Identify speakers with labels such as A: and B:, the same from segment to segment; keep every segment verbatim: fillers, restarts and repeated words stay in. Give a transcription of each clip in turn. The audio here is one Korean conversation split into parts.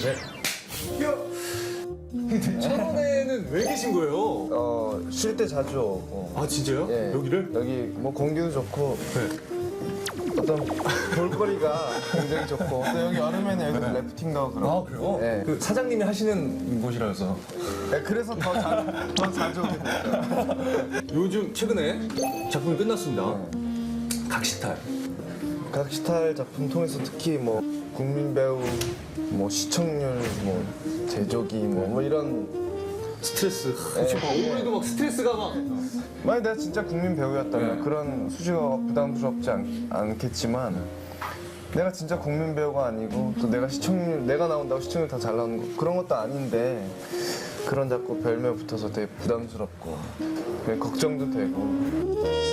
A: 천원에는 왜 계신 거예요?
B: 어, 쉴 때 자주 오고.
A: 아 진짜요?
B: 예.
A: 여기를?
B: 여기 뭐 공기도 좋고
A: 네.
B: 어떤 볼거리가 굉장히 좋고 또 여기 여름에는 여기 래프팅도 하고 그러고.
A: 아 그래요?
B: 예.
A: 그 사장님이 하시는 곳이라서.
B: 네, 그래서 더, 자, 더 자주 오게 됐어요.
A: 요즘 최근에 작품이 끝났습니다. 각시탈.
B: 각시탈 작품 통해서 특히 뭐 국민 배우, 뭐 시청률, 뭐 제조기, 뭐, 뭐 이런
A: 스트레스.
B: 예.
A: 지금 막 올해도 막 스트레스가 막.
B: 만약 내가 진짜 국민 배우였다면
A: 네.
B: 그런 수식어가 부담스럽지 않, 않겠지만 내가 진짜 국민 배우가 아니고 또 내가 시청률 내가 나온다고 시청률 다 잘 나오는 거 그런 것도 아닌데 그런 자꾸 별명 붙어서 되게 부담스럽고 되게 걱정도 되고.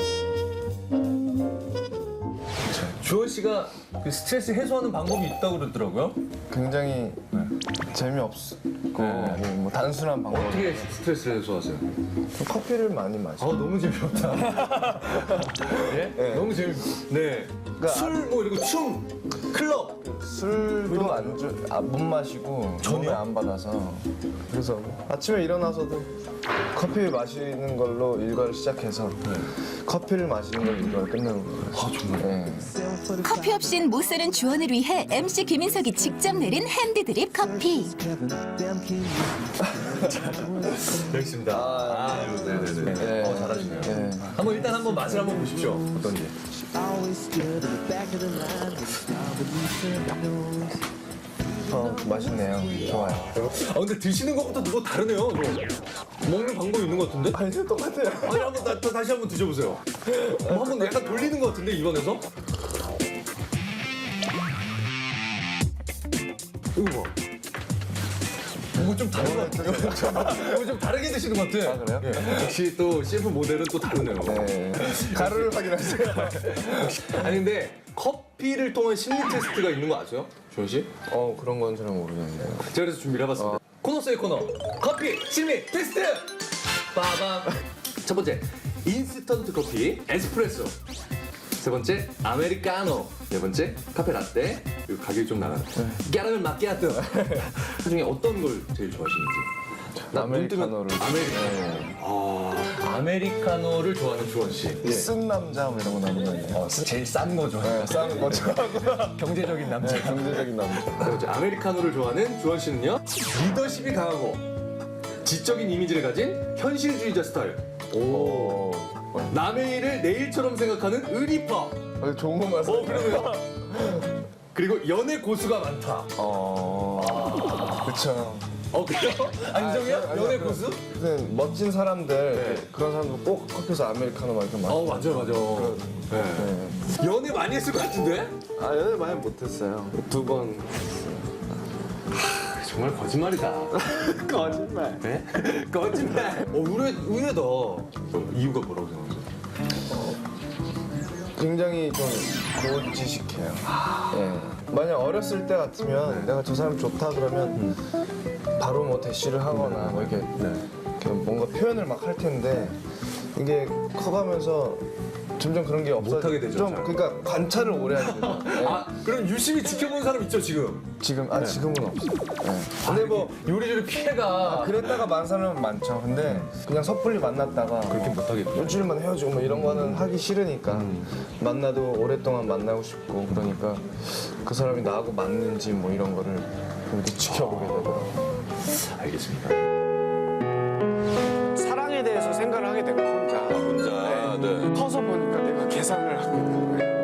A: 주원 씨가 그 스트레스 해소하는 방법이 있다고 그러더라고요.
B: 굉장히 재미없고
A: 네.
B: 뭐, 뭐 단순한 방법.
A: 어떻게 스트레스를 해소하세요?
B: 커피를 많이
A: 아
B: 마셔.
A: 너무 재미없다. 예?
B: 네.
A: 너무 재미. 네.
B: 그러니까
A: 술 뭐 이런 거 춤, 클럽.
B: 술도 안주 아, 못 마시고 전혀 안 받아서 그래서 아침에 일어나서도 커피 마시는 걸로 일과를 시작해서 커피를 마시는 걸로 일과를 끝내는 거예요.
A: 아 정말.
B: 네.
C: 커피 없인 못 사는 주원을 위해 엠씨 김인석이 직접 내린 핸드드립 커피.
A: 알겠습니다. 아, 네네네.
B: 네.
A: 어, 잘하시네요.
B: 네.
A: 한번 일단 한번 맛을 한번 보십시오. 어떤지.
B: 어, 맛있네요. 좋아요.
A: 아 근데 드시는 것부터 누구 다르네요. 저. 먹는 방법이 있는 것 같은데?
B: 아니 똑같아요.
A: 아니 한번 나, 또 다시 한번 드셔보세요. 어, 한번 약간 돌리는 것 같은데 입안에서? 이거 봐. 이거 좀 다른 것 같아. 이거 좀 다르게 드시는 것 같아.
B: 아, 그래요?
A: 예. 역시 또 셰프 모델은 또 다르네요.
B: 네. 가루를 확인하세요.
A: 아니 근데 커피를 통한 심리 테스트가 있는 거 아세요? 주원 씨?
B: 어 그런 건 잘 모르겠네요.
A: 제가 그래서 준비를 해봤습니다. 코너 속의 코너. 커피 심리 테스트! 빠밤. 첫 번째, 인스턴트 커피, 에스프레소. 세 번째, 아메리카노. 네 번째, 카페 라떼. 그리고 가격이 좀 나가는. 까라멜 마키아토. 그 중에 어떤 걸 제일 좋아하시는지. 나눈 뜨면
B: 아메리카노를.
A: 아메리카노. 아, 아메리카노를 좋아하는 주원 씨.
B: 쓴 남자 뭐 이런 거 나오는 거.
A: 어, 제일 싼 거 좋아해요.
B: 네, 싼 거 좋아하고
A: 경제적인 남자.
B: 네, 경제적인 남자.
A: 자, 이제 아메리카노를 좋아하는 주원 씨는요, 리더십이 강하고 지적인 이미지를 가진 현실주의자 스타일. 오. 남의 일을 내 일처럼 생각하는 의리파.
B: 어, 좋은 거 말씀.
A: 어, 그러네요. 그리고 연애 고수가 많다.
B: 어. 그쵸.
A: 어, 그래요? 안정이야?
B: 아니,
A: 연애
B: 그-
A: 고수?
B: 그 멋진 사람들
A: 네.
B: 그런 사람들 꼭 커피에서 아메리카노 막 이렇게 마시고.
A: 어, 맞아요, 맞아요. 네.
B: 네.
A: 연애 많이 했을 것 같은데?
B: 아 연애 많이 못했어요. 두 번.
A: 정말 거짓말이다.
B: 거짓말.
A: 네? 거짓말. 어, 의외, 의외다. 어, 이유가 뭐라고 생각하세요?
B: 굉장히 좀 고지식해요. 예. 만약 어렸을 때 같으면 내가 저 사람 좋다 그러면 바로 뭐 대시를 하거나 뭐 이렇게, 이렇게 뭔가 표현을 막 할 텐데 이게 커가면서 점점 그런 게 없어.
A: 못하게 되죠,
B: 좀
A: 잘.
B: 그러니까 관찰을 오래 하게 돼요. 예.
A: 아, 그럼 유심히 지켜본 사람 있죠, 지금?
B: 지금 아 지금은 없어요. 예.
A: 근데 뭐 요리조리 피해가
B: 그랬다가 만 사람은 많죠. 근데 그냥 섣불리 만났다가
A: 그렇게
B: 뭐
A: 못하겠네.
B: 일주일만 헤어지고 뭐 이런 거는 하기 싫으니까 만나도 오랫동안 만나고 싶고 그러니까 그 사람이 나하고 맞는지 뭐 이런 거를 이렇게 지켜보게 되더라고요.
A: 알겠습니다.
D: 사랑에 대해서 생각을 하게 된 거야, 혼자.
A: 혼자, 네.
D: 커서 보니까 내가 계산을 하고 있는 거예요.